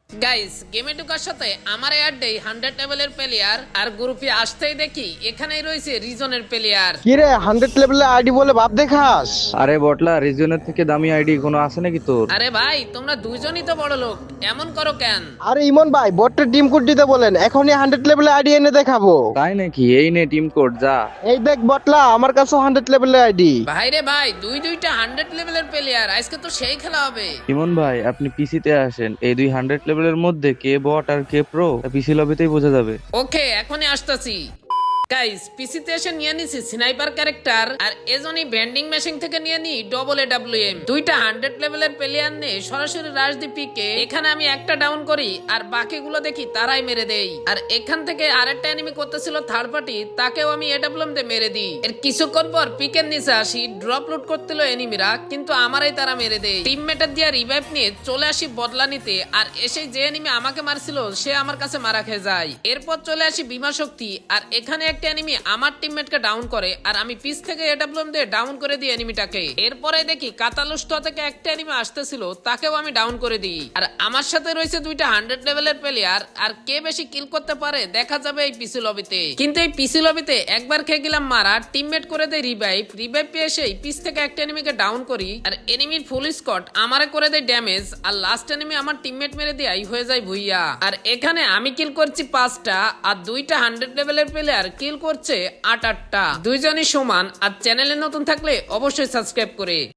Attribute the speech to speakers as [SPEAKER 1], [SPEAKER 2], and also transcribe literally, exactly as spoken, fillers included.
[SPEAKER 1] Guys গেমে ঢোকার সাথে আমার অ্যাড দেই হান্ড্রেড লেভেলের প্লেয়ার আর গ্রুপে আসতেই দেখি এখানেই রয়েছে রিজনের প্লেয়ার।
[SPEAKER 2] কিরে হান্ড্রেড লেভেলের আইডি বলে ভাব দেখাস?
[SPEAKER 3] আরে বটলা, রিজনের থেকে দামি আইডি কোনো আছে নাকি তোর?
[SPEAKER 1] আরে ভাই তোমরা দুইজনই তো বড় লোক, এমন করো কেন?
[SPEAKER 2] আরে ইমন ভাই বটটা টিম কোড দিতে বলেন, এখনই হান্ড্রেড লেভেলের আইডি এনে দেখাবো।
[SPEAKER 3] তাই নাকি? এই নে টিম কোড, যা।
[SPEAKER 2] এই দেখ বটলা, আমার কাছে হান্ড্রেড লেভেলের আইডি।
[SPEAKER 1] ভাই রে ভাই, দুই দুইটা হান্ড্রেড লেভেলের প্লেয়ার, আজকে তো সেই খেলা হবে।
[SPEAKER 3] ইমন ভাই, আপনি পিসিতে আসেন। এই দুই হান্ড্রেড লেভেলের মধ্যে কে বট আর কে প্রো পিসি লবিতেই বোঝা যাবে।
[SPEAKER 1] ওকে এখনই আসতাছি। গাইস পিসিতে এসে নিয়ে নিছি স্নাইপার ক্যারেক্টার, আর এজনই ভেন্ডিং মেশিন থেকে নিয়ে নি ডবল এ ডাব্লিউ এম। দুইটা হান্ড্রেড লেভেলের প্লেয়ার নিয়ে সরাসরি রাজদীপিকে এখানে আমি একটা ডাউন করি আর বাকিগুলো দেখি তারাই মেরে দেই। আর এখান থেকে আরেকটা এনিমি করতেছিল থার্ড পার্টি, তাকেও আমি এ ডাব্লিউ এম দিয়ে মেরে দিই। এর কিছুক্ষণ পর পিকের নিচে আসি, ড্রপ লুট করতেল এনিমিরা, কিন্তু আমারই তারা মেরে দেয়। টিমমেটের দিয়ে রিভাইভ নিয়ে চলে আসি বদলা নিতে, আর এসে যে এনিমি আমাকে মারছিল সে আমার কাছে মারা খেয়ে যায়। এরপর চলে আসি বিমা শক্তি, আর এখানে একটা এনিমি আমার টিমমেটকে ডাউন করে, আর আমি পিছ থেকে এডব্লিউএম দিয়ে ডাউন করে দিই এনিমিটাকে। এরপরে দেখি কাতালুস্ট থেকে একটা এনিমি আসতেছিল, তাকেও আমি ডাউন করে দিই। আর আমার সাথে রয়েছে দুইটা হান্ড্রেড লেভেলের প্লেয়ার, আর কে বেশি কিল করতে পারে দেখা যাবে এই পিসি লবিতে। কিন্তু এই পিসি লবিতে একবার খেয়ে গেলাম মারা, টিমমেট করে দেয় রিভাইভ। রিভাইভ পেয়ে সেই পিছ থেকে একটা এনিমিকে ডাউন করি, আর এনিমির ফুল স্কট আমারে করে দেয় ড্যামেজ, আর লাস্ট এনিমি আমার টিমমেট মেরে দিয়ে হয়ে যায় ভুইয়া। আর এখানে আমি কিল করছি পাঁচটা, আর দুইটা হান্ড্রেড লেভেলের প্লেয়ার কিল করছে আট আটটা। দুইজনই সমান। আর চ্যানেলে নতুন থাকলে অবশ্যই সাবস্ক্রাইব করে